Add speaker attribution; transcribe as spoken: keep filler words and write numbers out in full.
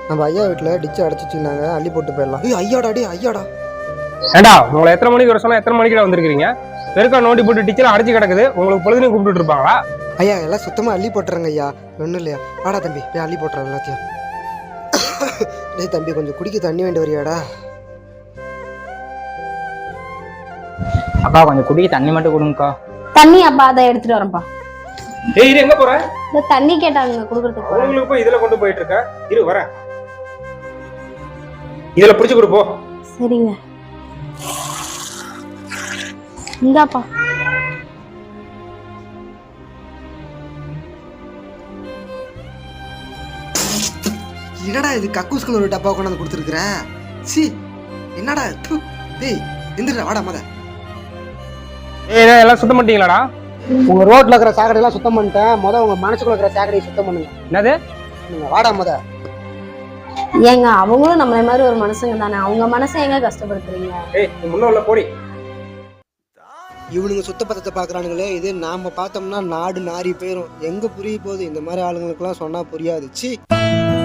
Speaker 1: நம்ம ஐயா வீட்டில் டிச்சு அடைச்சிச்சிருந்தாங்க, அள்ளி போட்டு போயிடலாம். ஐயோ ஐயாடா, டே ஐயாடா.
Speaker 2: ஏண்டா உங்களை எத்தனை மணிக்கு வர சொன்னா எத்தனை மணிக்கு வந்திருக்கீங்க? பெருக்கா நோண்டி போட்டு டிச்சில் அடைச்சி கிடக்குது, உங்களுக்கு பொழுதுனையும் கூப்பிட்டு இருப்பாங்களா?
Speaker 1: ஐயா எல்லாம் சுத்தமாக அள்ளி போட்டுறாங்க ஐயா, ஒன்றும் இல்லையா. வாடா தம்பி, போய் அள்ளி போட்டுறேன் எல்லாத்தையும். டே தம்பி, கொஞ்சம் குடிக்க தண்ணி வேண்டி வரியாடா?
Speaker 3: அப்பா கொஞ்சம் குடிக்க தண்ணி மட்டும் கொடுங்கக்கா.
Speaker 4: தண்ணி அப்பா அதை எடுத்துட்டு வரேன்ப்பா.
Speaker 2: ஏய் இரு, எங்க போற?
Speaker 4: இந்த தண்ணி கேட்டாங்க குடுக்கறதுக்கு.
Speaker 2: உங்களுக்கு போய் இதுல கொண்டு போயிட்டு இருக்க. இரு வரேன், இதுல புடிச்சு கொடு போ.
Speaker 4: சரிங்க, இந்தாப்பா.
Speaker 1: என்னடா இது, கக்கூஸ்குள்ள ஒரு டப்பா கொண்டாந்து கொடுத்துருக்குற. சி என்னடா தூ. டேய் எந்திரா, வாடா மத.
Speaker 2: ஏய் எல்லாம் சுத்தம் பண்ணிட்டீங்களாடா?
Speaker 1: உங்க ரோட்ல இருக்கிற சாக்கடையெல்லாம் சுத்தம் பண்ணிட்டேன். முத உங்க மனசுக்குள்ள இருக்கிற சாக்கடையை சுத்தம் பண்ணுங்க.
Speaker 2: என்னது?
Speaker 1: வாடா மத.
Speaker 4: ஏங்க அவங்களும் நம்மள மாதிரி ஒரு மனுஷங்க தானே, அவங்க மனசை எங்க கஷ்டப்படுத்துறீங்க?
Speaker 2: ஏய் நீ முன்ன உள்ள போடி.
Speaker 1: இவனுங்க சுத்த பத்தத்தை பாக்குறானுங்களே, இது நாம பார்த்தோம்னா நாடு நாரி போயிடும். எங்க புரிய போகுது? இந்த மாதிரி ஆளுங்களுக்குலாம் சொன்னா புரியாது. சி